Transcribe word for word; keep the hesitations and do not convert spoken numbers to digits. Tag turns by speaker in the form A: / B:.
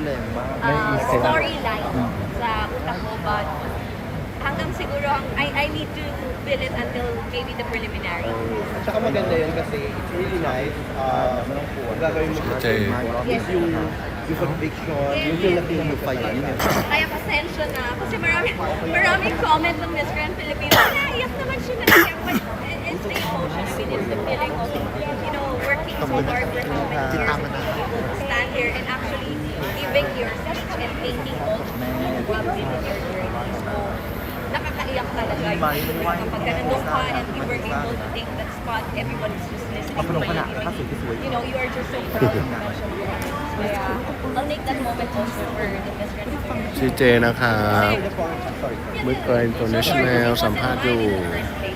A: uh, storyline sa utak ko, but hanggang siguro, ang- I, I need to build it until maybe the preliminary.
B: At saka maganda yun kasi it's really nice. Uh, kung gagawin mo siya,
A: Yes.
B: is yung, yung conviction, yung feel na feel mo pa yun.
A: Kaya pasensya na, kasi marami, maraming comment ng Miss Grand Philippines. Naiyak naman siya, naiyak. But it's the emotion, I mean, it's the feeling of, you know, working so hard for how many years to stand here and actually giving yourself and taking all the drugs in your journey. So, nakakaiyak talaga yung kapag ka nandun ka and you were able to take that spot, everybody's just listening to you. You know, you are just so proud of mention Kaya, I'll make that moment also for the Miss Grand Philippines.
C: ซีเจนะครับ
B: Sorry.
C: มืดเกิน international สัมภาษณ์อยู่
A: First